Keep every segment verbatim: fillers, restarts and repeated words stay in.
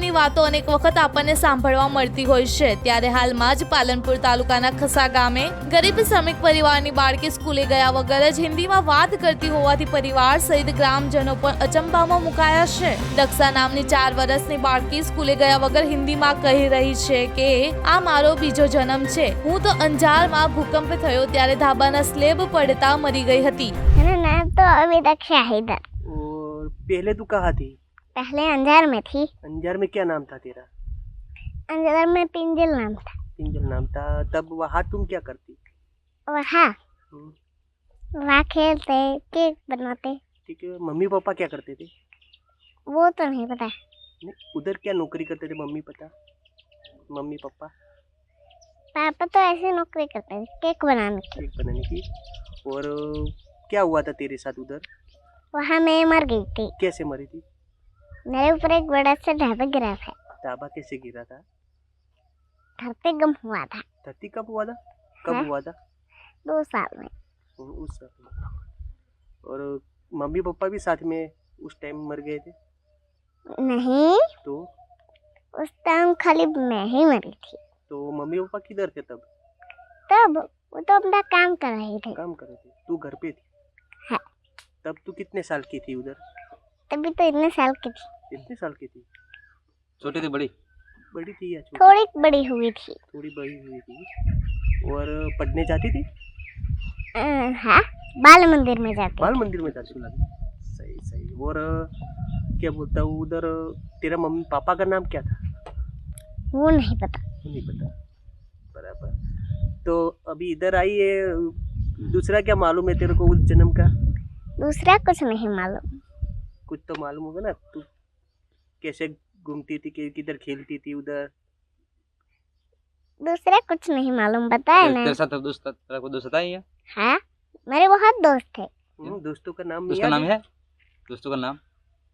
જનમની વાતો અનેક વખત આપણને સાંભળવા મળતી હોય છે, ત્યારે હાલમાં જ પાલનપુર તાલુકાના ખસા ગામે ગરીબ શ્રમિક પરિવારની બાળકી સ્કૂલે ગયા વગર જ હિન્દીમાં વાત કરતી હોવાથી પરિવાર સહિત ગ્રામજનો પણ અચંબામાં મુકાયા છે। દક્ષા નામની ચાર વર્ષની બાળકી સ્કૂલે ગયા વગર હિન્દીમાં કહી રહી છે કે આ મારો બીજો જન્મ છે। હું તો અંજારમાં ભૂકંપ થયો ત્યારે ધાબાના સ્લેબ પડતા મરી ગઈ હતી। मेरा नाम तो अभी दक्षा है इधर। और पहले तू कहाँ थी? पहले अंजार में थी। अंजार में क्या नाम था तेरा? अंजार में पिंजल नाम था। पिंजल नाम था। तब वहाँ तुम क्या करती? वहाँ हम्म, वहाँ खेलते केक बनाते। ठीक है। मम्मी पापा क्या करते थे? वो तो नहीं पता। नहीं, उधर क्या नौकरी करते थे मम्मी पता? मम्मी पापा पापा तो ऐसे नौकरी करते थे केक बनाने की। केक बनाने की। और क्या हुआ था तेरे साथ उधर? वहाँ मैं मर गई थी। कैसे मरी थी? मेरे ऊपर एक बड़ा सा ढाबा गिरा था। ढाबा कैसे गिरा था? धरती गम हुआ था। धरती कब हुआ था? कब हाँ? हुआ था? दो साल में। उस साल में। और मम्मी पापा भी साथ में उस टाइम मर गए थे? नहीं, तो उस टाइम खाली मैं ही मरी थी। तो मम्मी पापा किधर थे तब? तब वो तो अपना काम कर रहे थे। काम कर रहे थे। तू घर पे थी? हाँ। तब तू कितने साल की थी उधर? तभी तो इतने साल की थी। कितने साल की थी? छोटी थी बड़ी? बड़ी थी या छोटी? थोड़ी बड़ी हुई थी। थोड़ी बड़ी हुई थी। और पढ़ने जाती थी? अ, हाँ, बाल मंदिर में जाते। बाल मंदिर में जाती थी। सही सही। और क्या बोलता हूँ उधर तेरा मम्मी पापा का नाम क्या था? वो नहीं पता। नहीं पता। बराबर। तो अभी इधर आई है, दूसरा क्या मालूम है तेरे को उस जन्म का? दूसरा कुछ नहीं मालूम। कुछ तो मालूम होगा ना, तू कैसे घूमती थी, कि- किधर खेलती थी उधर? दूसरा कुछ नहीं मालूम, बताया तेरे ना। तेरे साथ दोस्त तेरा कोई दोस्त आई है? हाँ, मेरे बहुत दोस्त थे। हम्म, दोस्तों का नाम दोस्त का याद नाम है? दोस्तों का नाम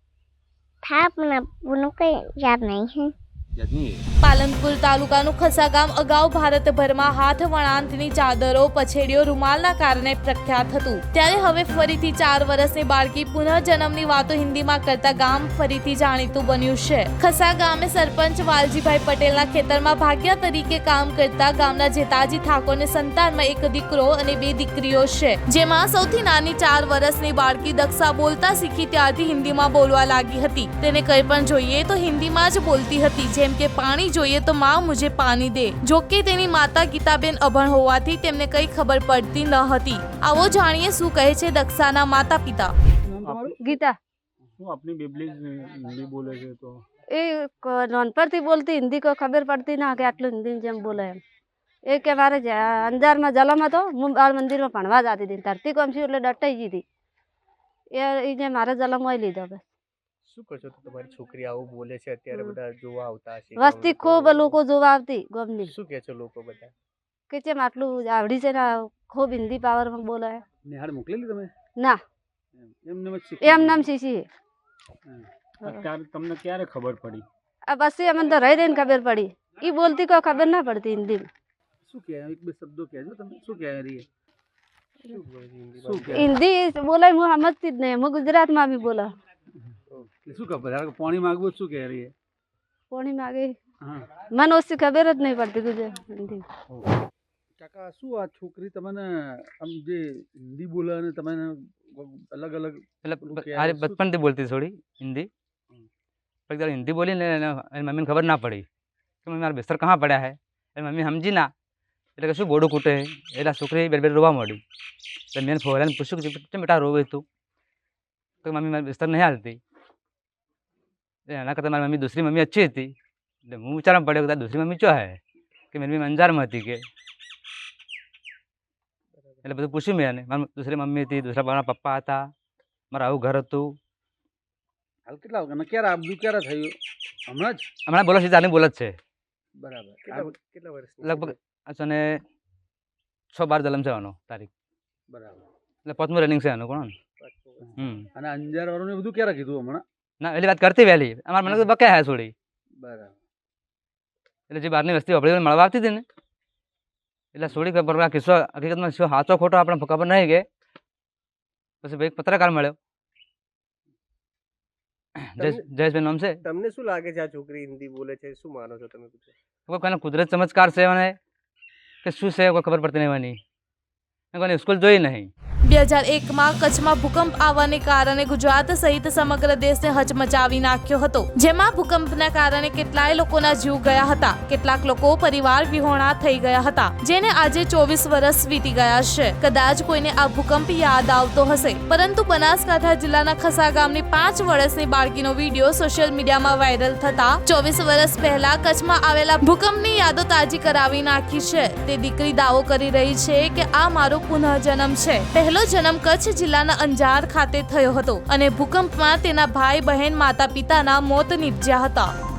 था अपना, उनको याद नहीं है। याद नहीं है? પાલનપુર તાલુકાનું ખસા ગામ અગાઉ ભારતભરમાં હાથ વણાટની ચાદરો, પછેડીઓ, રૂમાલના કારણે પ્રખ્યાત હતું, ત્યારે હવે ફરીથી ચાર વર્ષની બાળકી પુનઃજન્મની વાતો હિન્દીમાં કરતા ગામ ફરીથી જાણીતું બન્યું છે। ખસા ગામે સરપંચ વાલજીભાઈ પટેલના ખેતરમાં ભાગ્યા તરીકે કામ કરતા ગામના જેતાજી ઠાકોરને સંતાનમાં એક દીકરો અને બે દીકરીઓ છે, જેમાં સૌથી નાની ચાર વર્ષની બાળકી દક્ષા બોલતા શીખી ત્યારથી હિન્દીમાં બોલવા લાગી હતી। તેને કંઈ પણ જોઈએ તો હિન્દીમાં જ બોલતી હતી, જેમ કે પાણી જોઈએ તો માં મુझे પાણી દે। જો કે તેની માતા ગીતાબેન અભણ હોવાથી તેમને કંઈ ખબર પડતી ન હતી। આવો જાણીએ શું કહે છે દક્ષાના માતા પિતા। ગીતા હું આપની બેબલી હિન્દી બોલે છે તો એ નાનપણથી બોલતી, હિન્દી કોઈ ખબર પડતી ના કે આટલું હિન્દી જેમ બોલે એમ। એ કે મારે અંજારમાં જલમ હતો, હું બાળ મંદિરમાં ભણવા જતી હતી, ધરતી કોમ છું એટલે ડટાઈ ગઈ હતી। એ જે મારે જલમ હોય લીધો બસ। શું કહો છો તો તમારી છોકરી આવું બોલે છે અત્યારે બધા જોવા આવતા હશે? વસ્તી ખૂબ લોકો જોવા આવતી ગમની શું કહે છે લોકો બધા? કે ચેમ આટલું આવડી છે ને ખૂબ હિન્દી પાવરમાં બોલે। નિહાળ મોકલેલી તમે? ના, એમને જ શીખી એમ નામ શીશી। અત્યારે તમને ક્યારે ખબર પડી? આ પછી અમને તો રહી રહીને ખબર પડી, એ બોલતી કોઈ ખબર ના પડતી હિન્દીમાં। શું કહે? એક બે શબ્દો કહેજો તમે, શું કહે રહી? શું બોલે છે હિન્દીમાં? શું કહે? હિન્દી બોલે હું સમજતી જ નહીં, હું ગુજરાતમાં બી બોલા। શું કહે? ધારો કે પાણી માંગવું શું કહે રહી? પાણી માગે હા મને ઓછી ખબર જ નહીં પડતી ગુજરાત હિન્દી। કાકા, શું આ છોકરી તમને આમ જે હિન્દી બોલે અને તમે અલગ અલગ એટલે ઓકે, અરે શું- બચપનથી બોલતી થોડી हिंदी, पर जब हिंदी बोली ने एनी मम्मी ने खबर ना पड़ी कि मम्मी मारा बिस्तर कहाँ पड़ा है। एनी मम्मी समझी ना એટલે કે શું બોડું કૂટે એટલે છોકરી બે બે રોવા માંડી। એટલે મેં ફોરાને પૂછ્યું કે કેમ બેટા રોવે તું? તો મમ્મી મારી બિસ્તર નહીં હાલતી। એના કરતાં મારી મમ્મી दूसरी मम्मी अच्छी थी। એટલે હું વિચારવા પડ્યો કે दूसरी मम्मी ચો હે કે મારી મમ્મી અંજારમાં હતી કે। એટલે બધું પૂછ્યું મેં એને, મારી दूसरी मम्मी હતી, दूसरा મારા પપ્પા હતા, મારું આવું ઘર હતું। હાલ કેટલા વાગ્યા ક્યારે આ બધું ક્યારે થયું? હમણાં જ? હમણાં બોલો છે ચારની બોલ જ છે, બરાબર। કેટલા કેટલા વર્ષની? લગભગ અને છ બાર જલમ છે આનો તારીખ, બરાબર। એટલે પાંચમું રનિંગ છે આનું કોણ। હમ અને અંજાર વાળું બધું ક્યારે કીધું હમણાં? ના એલી વાત કરતી વહેલી, અમારા મને તો બકે હે છોડી। બરાબર। એટલે જે બહારની વસ્તી આપણે મળવા આવતી હતી ને એટલે છોડી ખબર આ કિસ્સો હકીકતમાં શું સાચો ખોટો આપણે ખબર નહીં કે પછી ભાઈ પત્રકાર મળ્યો જયેશ જયેશભાઈ નામ છે. તમને શું લાગે છે આ છોકરી હિન્દી બોલે છે, શું માનો છો તમે? કોઈ કોઈને કુદરત ચમત્કાર છે મને કે શું છે કોઈ ખબર પડતી નહીં મને. મેં કોઈને સ્કૂલ જોઈ નહીં. બે હજાર એકમાં કચ્છમાં ભૂકંપ આવવાને કારણે ગુજરાત સહિત સમગ્ર દેશને હચમચાવી નાખ્યો હતો, જેમાં ભૂકંપના કારણે કેટલાય લોકોના જીવ ગયા હતા, કેટલાક લોકો પરિવાર વિહોણા થઈ ગયા હતા, જેને આજે ચોવીસ વર્ષ વીતી ગયા છે. કદાચ કોઈને આ ભૂકંપ યાદ આવતો હશે, પરંતુ બનાસકાંઠા જિલ્લાના ખસા ગામની પાંચ વર્ષની બાળકીનો વિડીયો સોશિયલ મીડિયામાં વાયરલ થતા ચોવીસ વર્ષ પહેલા કચ્છમાં આવેલા ભૂકંપની યાદો તાજી કરાવી નાખી છે. તે દીકરી દાવો કરી રહી છે કે આ મારો પુનઃજન્મ છે. પહેલો જન્મ કચ્છ જિલ્લાના અંજાર ખાતે થયો હતો અને ભૂકંપમાં તેના ભાઈ બહેન માતા પિતાના મોત નીપજ્યા હતા.